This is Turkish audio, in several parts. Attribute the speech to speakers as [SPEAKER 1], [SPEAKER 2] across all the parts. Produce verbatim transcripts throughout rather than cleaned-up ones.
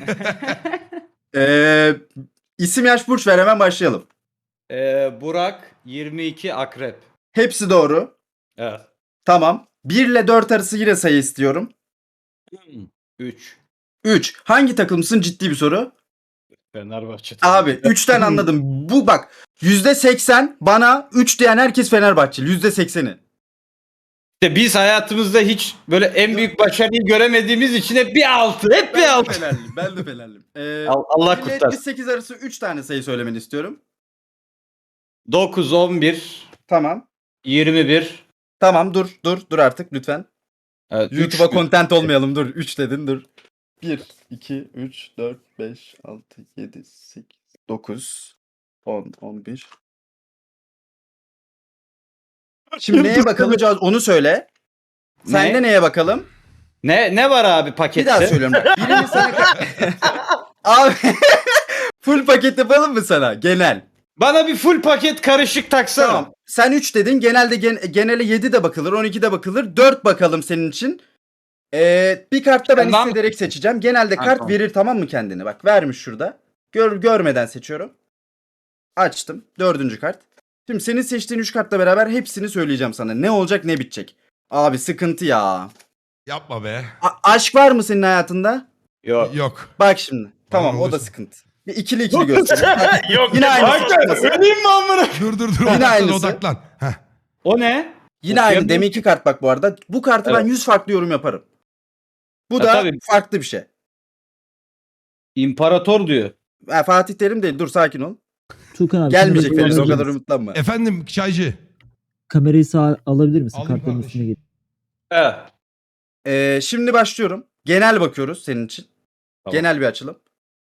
[SPEAKER 1] Ee, isim yaş burç ver, hemen başlayalım.
[SPEAKER 2] Ee, Burak yirmi iki akrep.
[SPEAKER 1] Hepsi doğru.
[SPEAKER 2] Evet.
[SPEAKER 1] Tamam. bir ile dört arası yine sayı istiyorum.
[SPEAKER 2] üç.
[SPEAKER 1] üç. Hangi takımsın? Ciddi bir soru.
[SPEAKER 2] Fenerbahçe.
[SPEAKER 1] Abi üçten anladım. Bu bak yüzde seksen bana üç diyen herkes Fenerbahçeli. yüzde sekseni.
[SPEAKER 2] İşte biz hayatımızda hiç böyle en büyük başarıyı göremediğimiz için hep bir altı. Hep bir
[SPEAKER 1] Ben de
[SPEAKER 2] altı.
[SPEAKER 1] Fenerliyim. Ben de Fenerliyim. Ee,
[SPEAKER 2] Al- Allah
[SPEAKER 1] bir ile
[SPEAKER 2] kurtarsın.
[SPEAKER 1] yetmiş sekiz arası üç tane sayı söylemeni istiyorum.
[SPEAKER 2] dokuz, on bir,
[SPEAKER 1] Tamam.
[SPEAKER 2] yirmi bir.
[SPEAKER 1] Tamam dur dur dur artık lütfen.
[SPEAKER 2] Evet,
[SPEAKER 1] YouTube'a
[SPEAKER 2] üç.
[SPEAKER 1] content olmayalım, dur. üç dedin, dur. bir, iki, üç, dört, beş, altı, yedi, sekiz, dokuz, on, on bir. Şimdi neye bakılacağız onu söyle. Sen
[SPEAKER 2] Ne?
[SPEAKER 1] de neye bakalım?
[SPEAKER 2] Ne ne var abi pakette?
[SPEAKER 1] Bir daha söylüyorum bak. Birini sana... Abi full paket yapalım mı sana? Genel.
[SPEAKER 2] Bana bir full paket karışık taksana.
[SPEAKER 1] Tamam. Sen üç dedin. Genelde gen genele yedi de bakılır. on iki de bakılır. dört bakalım senin için. Ee, bir kartta ben
[SPEAKER 2] Tamam.
[SPEAKER 1] hissederek seçeceğim. Genelde
[SPEAKER 2] Ha,
[SPEAKER 1] kart
[SPEAKER 2] tamam.
[SPEAKER 1] verir, tamam mı, kendini? Bak vermiş şurada. Gör, görmeden seçiyorum. Açtım. Dördüncü kart. Şimdi senin seçtiğin üç kartla beraber hepsini söyleyeceğim sana. Ne olacak ne bitecek. Abi sıkıntı ya.
[SPEAKER 3] Yapma be.
[SPEAKER 1] A- aşk var mı senin hayatında?
[SPEAKER 2] Yok.
[SPEAKER 3] Yok.
[SPEAKER 1] Bak şimdi. Tamam, o da
[SPEAKER 3] olursa.
[SPEAKER 1] sıkıntı. Bir ikili ikili göstereyim. Bak,
[SPEAKER 2] Yok.
[SPEAKER 1] yine aynısı.
[SPEAKER 2] Hakikaten öleyim mi amına?
[SPEAKER 3] Dur dur dur.
[SPEAKER 1] Yine
[SPEAKER 3] Odaklan
[SPEAKER 1] aynısı.
[SPEAKER 3] odaklan. Heh.
[SPEAKER 2] O ne?
[SPEAKER 1] Yine aynı.
[SPEAKER 2] Okuyamıyorum.
[SPEAKER 1] Deminki kart bak bu arada. Bu kartı ben
[SPEAKER 2] Evet.
[SPEAKER 1] yüz farklı yorum yaparım. Bu
[SPEAKER 2] Ha,
[SPEAKER 1] da
[SPEAKER 2] tabii.
[SPEAKER 1] farklı bir şey.
[SPEAKER 2] İmparator diyor.
[SPEAKER 1] Ha, Fatih Terim değil. Dur, sakin ol.
[SPEAKER 4] Tuğkan abi.
[SPEAKER 1] Gelmeyecek
[SPEAKER 4] kamerayı
[SPEAKER 1] Feriz, o
[SPEAKER 4] alabilir
[SPEAKER 1] kadar
[SPEAKER 4] misin?
[SPEAKER 1] umutlanma.
[SPEAKER 3] Efendim çaycı.
[SPEAKER 4] Kamerayı sağ alabilir misin?
[SPEAKER 3] Alayım
[SPEAKER 4] Kartların
[SPEAKER 3] kardeş.
[SPEAKER 4] üstüne geç.
[SPEAKER 2] Evet.
[SPEAKER 1] Ee, şimdi başlıyorum. Genel bakıyoruz senin için.
[SPEAKER 2] Tamam.
[SPEAKER 1] Genel bir açılım.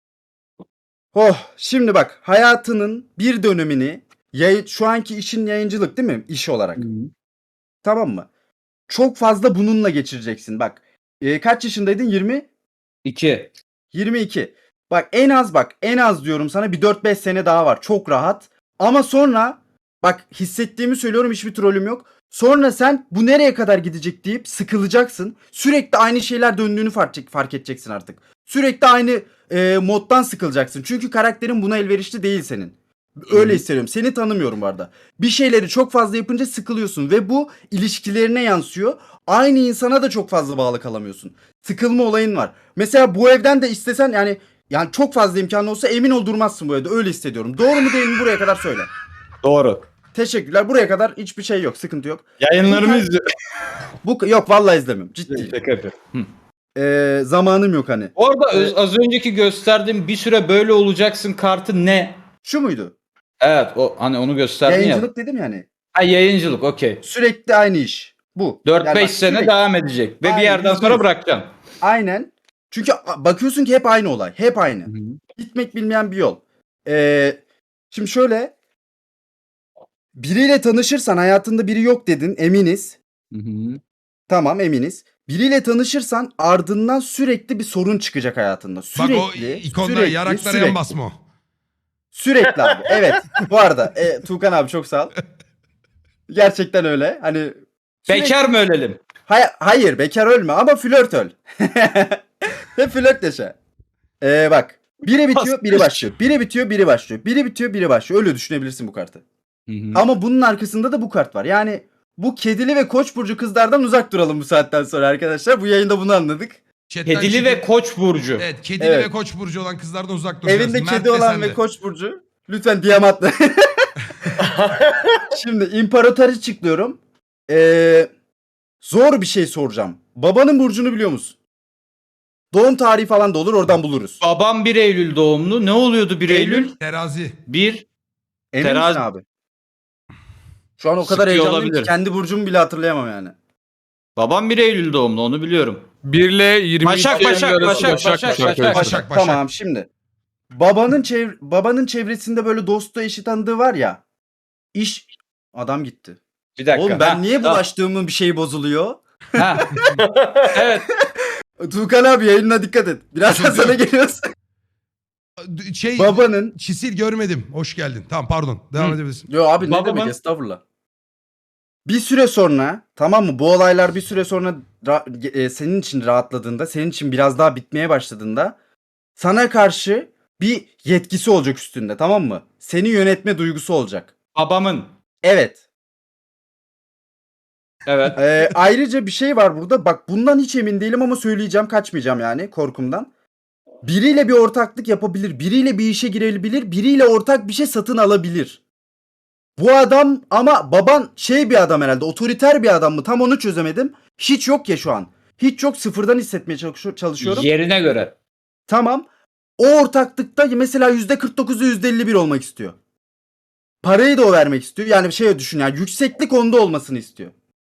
[SPEAKER 1] Oh, şimdi bak, hayatının bir dönemini yayı, şu anki işin yayıncılık değil mi? İş olarak. Tamam mı? Çok fazla bununla geçireceksin. Bak, e, kaç yaşındaydın? yirmi?
[SPEAKER 2] İki.
[SPEAKER 1] yirmi iki. Bak en az bak en az diyorum sana bir dört beş sene daha var. Çok rahat. Ama sonra bak, hissettiğimi söylüyorum, hiçbir trolüm yok. Sonra sen bu nereye kadar gidecek deyip sıkılacaksın. Sürekli aynı şeyler döndüğünü fark, fark edeceksin artık. Sürekli aynı e, moddan sıkılacaksın. Çünkü karakterin buna elverişli değil senin. Öyle
[SPEAKER 2] Hı.
[SPEAKER 1] hissediyorum. Seni tanımıyorum bu arada. Bir şeyleri çok fazla yapınca sıkılıyorsun ve bu ilişkilerine yansıyor. Aynı insana da çok fazla bağlı kalamıyorsun. Sıkılma olayın var. Mesela bu evden de istesen yani yani çok fazla imkanı olsa emin ol durmazsın bu evde. Öyle hissediyorum. Doğru mu değil mi, buraya kadar söyle.
[SPEAKER 2] Doğru.
[SPEAKER 1] Teşekkürler. Buraya kadar hiçbir şey yok. Sıkıntı yok.
[SPEAKER 2] Yayınlarımı izliyor.
[SPEAKER 1] Bu yok, vallahi izlemiyorum. Ciddi.
[SPEAKER 2] Şaka yapıyorum. Hı.
[SPEAKER 1] Ee, zamanım yok hani.
[SPEAKER 2] Orada öz- az önceki gösterdiğim bir süre böyle olacaksın kartı ne?
[SPEAKER 1] Şu muydu?
[SPEAKER 2] Evet, o hani onu gösterdin ya.
[SPEAKER 1] Yayıncılık dedim yani.
[SPEAKER 2] Ha, yayıncılık, okey.
[SPEAKER 1] Sürekli aynı iş. Bu.
[SPEAKER 2] dört beş
[SPEAKER 1] Yani bak,
[SPEAKER 2] sene
[SPEAKER 1] sürekli-
[SPEAKER 2] devam edecek ve
[SPEAKER 1] Aynen,
[SPEAKER 2] bir yerden
[SPEAKER 1] yüzde
[SPEAKER 2] sonra
[SPEAKER 1] yüz.
[SPEAKER 2] bırakacaksın.
[SPEAKER 1] Aynen. Çünkü a- bakıyorsun ki hep aynı olay. Hep aynı. Gitmek bilmeyen bir yol. Ee, şimdi şöyle. Biriyle tanışırsan, hayatında biri yok dedin, eminiz.
[SPEAKER 2] Hı hı.
[SPEAKER 1] Tamam, eminiz. Biriyle tanışırsan ardından sürekli bir sorun çıkacak hayatında.
[SPEAKER 3] Bak
[SPEAKER 1] Sürekli.
[SPEAKER 3] o ikonda
[SPEAKER 1] sürekli,
[SPEAKER 3] yaraklara
[SPEAKER 1] sürekli.
[SPEAKER 3] yan basma o.
[SPEAKER 1] Sürekli abi. Evet. Bu arada e, Tuğkan abi çok sağ ol. Gerçekten öyle. Hani sürekli-
[SPEAKER 2] Bekar mı ölelim?
[SPEAKER 1] Hay- hayır, bekar ölme ama flört öl. Hep flört yaşa. Ee, bak. Biri bitiyor, biri başlıyor. Biri bitiyor, biri başlıyor. Biri bitiyor, biri başlıyor. Öyle düşünebilirsin bu kartı.
[SPEAKER 2] Hı hı.
[SPEAKER 1] Ama bunun arkasında da bu kart var. Yani bu kedili ve koç burcu kızlardan uzak duralım bu saatten sonra arkadaşlar. Bu yayında bunu anladık.
[SPEAKER 3] Chatten
[SPEAKER 2] Kedili
[SPEAKER 3] çıkın.
[SPEAKER 2] ve Koç burcu.
[SPEAKER 3] Evet kedili
[SPEAKER 1] Evet.
[SPEAKER 3] ve koç burcu olan kızlardan uzak duracağız.
[SPEAKER 1] Evinde
[SPEAKER 3] Mert
[SPEAKER 1] kedi
[SPEAKER 3] de
[SPEAKER 1] olan
[SPEAKER 3] sen
[SPEAKER 1] ve
[SPEAKER 3] de.
[SPEAKER 1] koç burcu lütfen diyamatla. Şimdi imparator açıklıyorum. Ee, zor bir şey soracağım. Babanın burcunu biliyor musun? Doğum tarihi falan da olur, oradan buluruz.
[SPEAKER 2] Babam bir Eylül doğumlu. Ne oluyordu bir Eylül?
[SPEAKER 1] Eylül.
[SPEAKER 3] Terazi.
[SPEAKER 2] bir.
[SPEAKER 1] Emin
[SPEAKER 2] Terazi-
[SPEAKER 1] misin abi? Şu an o kadar
[SPEAKER 2] Sıkıyor
[SPEAKER 1] heyecanlıyım ki
[SPEAKER 2] olabilir.
[SPEAKER 1] kendi burcumu bile hatırlayamam yani.
[SPEAKER 2] Babam bir Eylül doğumlu, onu biliyorum.
[SPEAKER 5] bir ile yirmi
[SPEAKER 2] Başak,
[SPEAKER 5] iki
[SPEAKER 2] Başak,
[SPEAKER 5] arası
[SPEAKER 2] Başak,
[SPEAKER 5] Başak,
[SPEAKER 2] Başak,
[SPEAKER 5] Başak,
[SPEAKER 2] Başak.
[SPEAKER 3] Başak Başak.
[SPEAKER 1] Tamam, şimdi. Babanın çev babanın çevresinde böyle dostu, eşi, tanıdığı var ya. İş adam gitti.
[SPEAKER 2] Bir dakika.
[SPEAKER 1] Oğlum ben
[SPEAKER 2] Ha,
[SPEAKER 1] niye
[SPEAKER 2] tamam.
[SPEAKER 1] bulaştığımın bir şeyi bozuluyor?
[SPEAKER 2] Ha. Evet.
[SPEAKER 1] Tuğkan abi yayınına dikkat et. Birazdan sana geliyoruz.
[SPEAKER 3] Şey
[SPEAKER 1] Babanın
[SPEAKER 3] çisil görmedim. Hoş geldin. Tamam pardon. Devam
[SPEAKER 2] Hı.
[SPEAKER 3] edebilirsin.
[SPEAKER 1] Yo abi, ne
[SPEAKER 2] Babamın-
[SPEAKER 1] demek, estağfurullah. Bir süre sonra, tamam mı, bu olaylar bir süre sonra ra- e, senin için rahatladığında, senin için biraz daha bitmeye başladığında sana karşı bir yetkisi olacak üstünde, tamam mı? Seni yönetme duygusu olacak.
[SPEAKER 2] Babamın.
[SPEAKER 1] Evet.
[SPEAKER 2] Evet.
[SPEAKER 1] Ee, ayrıca bir şey var burada. Bak bundan hiç emin değilim ama söyleyeceğim, kaçmayacağım yani korkumdan. Biriyle bir ortaklık yapabilir. Biriyle bir işe girebilir. Biriyle ortak bir şey satın alabilir. Bu adam ama baban şey bir adam herhalde. Otoriter bir adam mı? Tam onu çözemedim. Hiç yok ya şu an. Hiç yok, sıfırdan hissetmeye çalışıyor- çalışıyorum.
[SPEAKER 2] Yerine göre.
[SPEAKER 1] Tamam. O ortaklıkta mesela yüzde kırk dokuzu yüzde elli bir olmak istiyor. Parayı da o vermek istiyor. Yani şey düşün yani, yükseklik onda olmasını istiyor.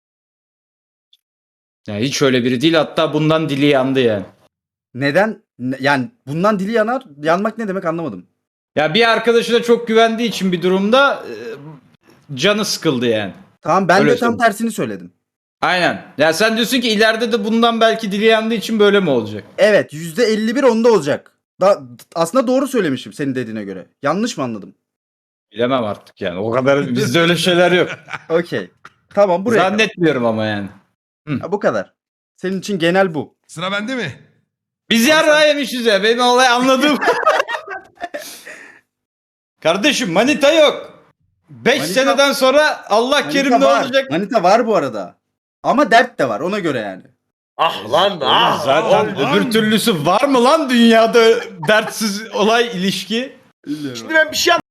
[SPEAKER 2] Yani hiç öyle biri değil. Hatta bundan dili yandı yani.
[SPEAKER 1] Neden? Ne- Yani bundan dili yanar. Yanmak ne demek anlamadım.
[SPEAKER 2] Ya bir arkadaşına çok güvendiği için bir durumda e, canı sıkıldı yani.
[SPEAKER 1] Tamam, ben
[SPEAKER 2] Öyle
[SPEAKER 1] de tam
[SPEAKER 2] söyleyeyim.
[SPEAKER 1] tersini söyledim.
[SPEAKER 2] Aynen. Ya sen diyorsun ki ileride de bundan belki dili yandığı için böyle mi olacak?
[SPEAKER 1] Evet, yüzde elli bir onda olacak. Da, aslında doğru söylemişim senin dediğine göre. Yanlış mı anladım?
[SPEAKER 2] Bilemem artık yani. O kadar bizde öyle şeyler yok.
[SPEAKER 1] Okey. Tamam, buraya kadar.
[SPEAKER 2] Zannetmiyorum ama yani.
[SPEAKER 1] Ha, bu kadar. Senin için genel bu.
[SPEAKER 3] Sıra bende mi?
[SPEAKER 2] Biz yarrağı yemişiz ya. Benim olay anladım. Kardeşim manita yok. beş
[SPEAKER 1] Manita-
[SPEAKER 2] seneden sonra Allah kerim
[SPEAKER 1] Manita
[SPEAKER 2] ne
[SPEAKER 1] var.
[SPEAKER 2] olacak?
[SPEAKER 1] Manita var bu arada. Ama dert de var ona göre yani.
[SPEAKER 5] Ah lan
[SPEAKER 2] Oğlum
[SPEAKER 5] ah.
[SPEAKER 2] zaten
[SPEAKER 3] lan.
[SPEAKER 2] öbür türlüsü var mı lan dünyada dertsiz olay ilişki?
[SPEAKER 5] Şimdi ben bir şey